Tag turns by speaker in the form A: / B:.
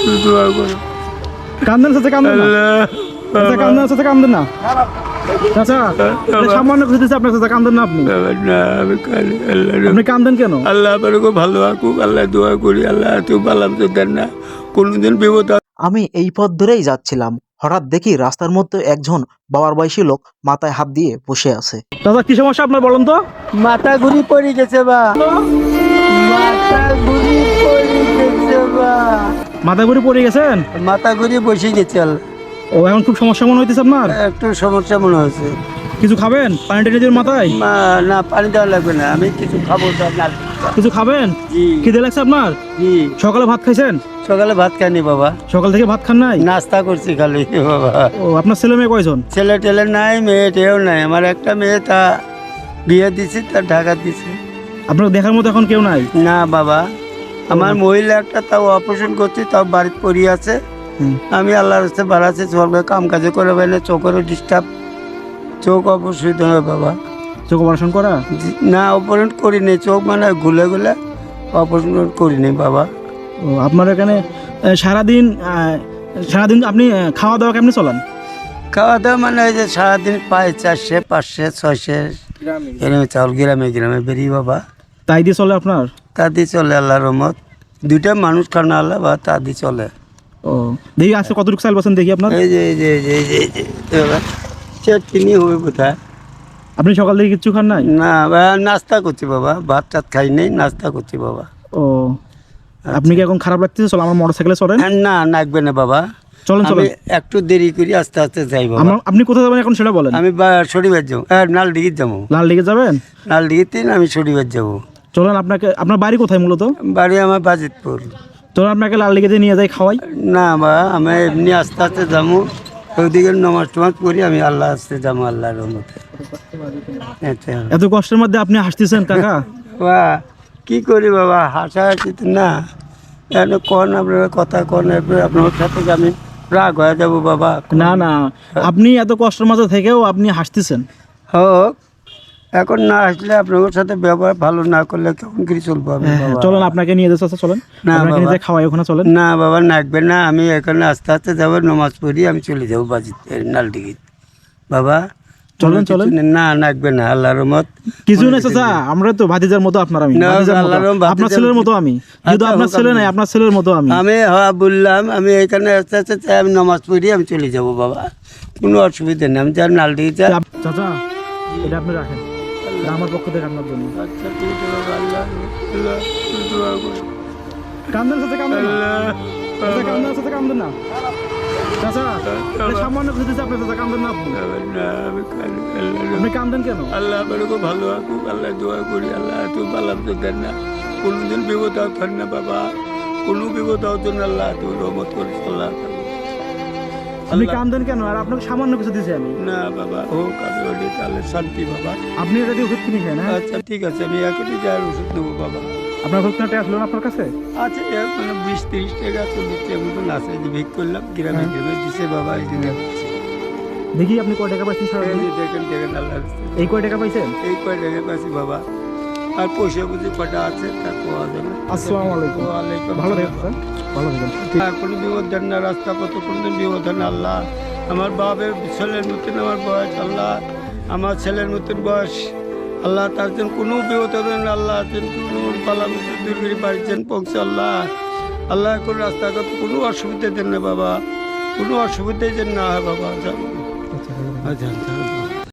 A: দোয়া করো।
B: কান্দেন চাচা, কান্দেন না চাচা, কান্দেন চাচা, কান্দেন না চাচা, সামান্য কিছু দিচ্ছে আপনার চাচা, কান্দেন না আপনি,
A: না আমি কালি আল্লাহ,
B: আপনি কান্দেন কেন?
A: আল্লাহ আপনাকে ভালো রাখুক, আল্লাহ দোয়া করি, আল্লাহ তুই বালাম তো দেন না, কোনোদিন বিপদ।
C: আমি এই পথ ধরেই যাচ্ছিলাম, হঠাৎ দেখি রাস্তার মধ্যে একজন বাবার বয়সী লোক মাথায় হাত দিয়ে বসে আছে।
B: চাচা কি সমস্যা আপনার বলেন তো?
D: মাথা ঘুরি পড়ে গেছে বা, মাথা ঘুরি পড়ে গেছে বা,
B: মাথা ঘুরে পড়ে গেছেন?
D: মাথা ঘুরি বসে গেছে।
B: ও এখন খুব সমস্যা মনে হইতেছে আপনার?
D: একটু সমস্যা মনে হয়েছে।
B: কিছু খাবেন? পানি টেনে দিবেন মাথায়?
D: না, পানি দেওয়া লাগবে না, আমি কিছু খাবো তো আপনার।
B: কিছু খাবেন?
D: জি
B: খিদে লাগছে আপনার?
D: জি।
B: সকালে ভাত খাইছেন?
D: সকালে ভাত খাইনি বাবা,
B: সকাল থেকে ভাত খান নাই?
D: নাস্তা করছি খালি বাবা।
B: ও আপনার ছেলে মেয়ে কয়জন?
D: ছেলে টেলে নাই, মেয়ে টেও নাই। আমার একটা মেয়ে, তা বিয়ে দিছি, তা ঢাকা দিছি।
B: আপনার দেখার মতো এখন কেউ নাই?
D: না বাবা, আমার মহিলা একটা, তাও অপারেশন করছি, তাও বাড়িতে পড়ি আছে। আমি আল্লাহর হস্তে বাড়াচ্ছি, সরকার কাম কাজে করে বেলে, চোখেরও ডিস্টার্ব, চোখ অপসৃত হয় বাবা।
B: চোখ অপারেশন করা?
D: না, অপারেশন করিনি, চোখ মানে গুলে গুলে অপারেশন করিনি বাবা।
B: ও আপনার এখানে সারাদিন সারাদিন আপনি খাওয়া দাওয়া কেমনি চলান?
D: খাওয়া দাওয়া মানে ওই যে সারাদিন পায় 400 500 600 এরকম চাউল, গ্রামে গ্রামে বেরিয়ে বাবা,
B: তাই দিয়ে চলে আপনার?
D: তা দিয়ে চলে আল্লাহর রহমত। দুইটা মানুষ খানা আল্লাহ বা, তা দিয়ে চলে।
B: ও দেখি আজকে কতটুকু চাল পাচ্ছেন দেখি আপনার।
D: এই যে এই যে এই যে এই যে এই যে বাবা, চিনি হবে কোথায়?
B: আপনি সকাল থেকে কিচ্ছু খান নাই?
D: না বা, নাস্তা করছি বাবা, ভাত টাত খাই নাই, নাস্তা করছি বাবা।
B: ও আপনি কি এখন খারাপ লাগতেছে? চলো আমার মোটর সাইকেলে চলেন।
D: না, লাগবে না বাবা,
B: চলেন
D: আমি
B: চলেন।
D: একটু দেরি করি, আস্তে আস্তে যাই বাবা।
B: আপনি কোথায় যাবেন এখন সেটা বলেন।
D: আমি শনিবার যাবো, নালডিগির যাবো।
B: লাল দিকে যাবেন?
D: নালডিগিতে আমি শনিবার যাবো।
B: চলেন, আপনাকে আপনার বাড়ি কোথায় মূলত?
D: বাড়ি আমার বাজিতপুর।
B: চলেন আপনাকে লাল দিকে নিয়ে যাই খাওয়াই।
D: না বা, আমি এমনি আস্তে আস্তে যাবো, ওইদিকে নমাজ টমাজ করি, আমি আল্লাহ আস্তে যাবো আল্লাহর রহমতে। আচ্ছা
B: এত কষ্টের মধ্যে আপনি হাসতেছেন কাকা।
D: বা, কি করি বাবা, হাসাহাসি তো না, কন আপনার কথা কন, আপনার সাথে আমি রাগ হয়ে যাবো বাবা।
B: না না, আপনি এত কষ্টের মাঝে থেকেও আপনি হাসতেছেন।
D: হোক, এখন না আসলে আপনার সাথে ব্যবহার ভালো না করলে কেমন করে চলবো আমি বাবা?
B: চলেন আপনাকে নিয়ে যাচ্ছে, চলেন
D: না
B: আপনাকে নিয়ে
D: বাবা।
B: যাই খাওয়াই ওখানে, চলেন।
D: না বাবা, লাগবে না, আমি এখানে আস্তে আস্তে যাবো, নমাজ পড়ি আমি চলে যাবো নালডিগি বাবা।
B: চলেন চলেন।
D: না, লাগবে না, আল্লাহর রহমত।
B: কিছু নাই চাচা, আমরা তো ভাতিজার মতো আপনার, আমি
D: না,
B: ভাতিজার মতো,
D: আল্লাহর রহমত,
B: আপনার ছেলের মতো আমি, কিন্তু
D: আচ্ছা,
B: আপনার
D: হোক,
B: ছেলে নাই, আপনার ছেলের মতো আমি।
D: আমি বললাম, আমি এখানে আস্তে আস্তে চাই, আমি নমাজ পড়ি আমি চলে যাবো বাবা, কোনো অসুবিধা নেই। আমি যার নালডিগি যাই।
B: চাচা এটা আপনি রাখেন, এটা আমার পক্ষ থেকে আপনার জন্য।
D: আচ্ছা ঠিক আছে বাবা, আল্লাহ
A: দোয়া করো।
B: কান্দেন চাচা, কান্দেন না চাচা, কান্দেন চাচা, কান্দেন না চাচা, এটা সামান্য কিছু দিচ্ছে আপনার চাচা, কান্দেন না আপনি,
A: না আমি কালি আল্লাহ,
B: আপনি কান্দেন কেন?
A: আল্লাহ আপনাকে ভালো রাখুক, আল্লাহ দোয়া করি, আল্লাহ তুই বালাম তো দেন না, কোনোদিন বিপদ হতেন না বাবা, কোনো বিপদ হতো না, আল্লাহ তুই রহমত করিস আল্লাহ।
B: আপনি কান্দেন কেন? আর আপনাকে সামান্য কিছু দিয়েছি আমি।
A: না বাবা, হোক, আমি ওটি তাহলে শান্তি বাবা।
B: আপনি এটা দিয়ে ওষুধ কিনে খান, হ্যাঁ?
A: আচ্ছা ঠিক আছে, আমি এখনই যাই ওষুধ নেবো বাবা।
B: আপনার ওষুধ কেনাটা আসলো না আপনার কাছে?
A: আচ্ছা মানে 20-30 টাকা 40 টাকা মতন আছে, যে ভিক করলাম, গ্রামে গ্রামে দিছে বাবা, এই জন্য
B: দেখি আপনি কয় টাকা পাইছেন সারাদিনে?
A: দেখেন দেখেন আল্লাহ,
B: এই কয় টাকা পাইছেন?
A: এই কয় টাকা পাচ্ছি বাবা, আর পয়সা বুঝি কটা আছে তা কোয়া যাবে।
B: আসসালামু আলাইকুম।
A: ওয়ালাইকুম
B: ভালো
A: আসসালাম।
B: থাকবেন, ভালো থাকবেন।
A: কোনো বিপদ দেন না, রাস্তা পথ কোনোদিন বিপদ দেন না আল্লাহ। আমার বাপের ছেলের মতন আমার বয়স আল্লাহ, আমার ছেলের মতন বয়স আল্লাহ, তার জন্য কোনো বিপদ দেন না আল্লাহ, কোনো পালা দূর করে পারিছেন পৌঁছে আল্লাহ, আল্লাহ কোনো রাস্তাঘাট কোনো অসুবিধা দেন না বাবা, কোনো অসুবিধাই যেন না হয় বাবা। আচ্ছা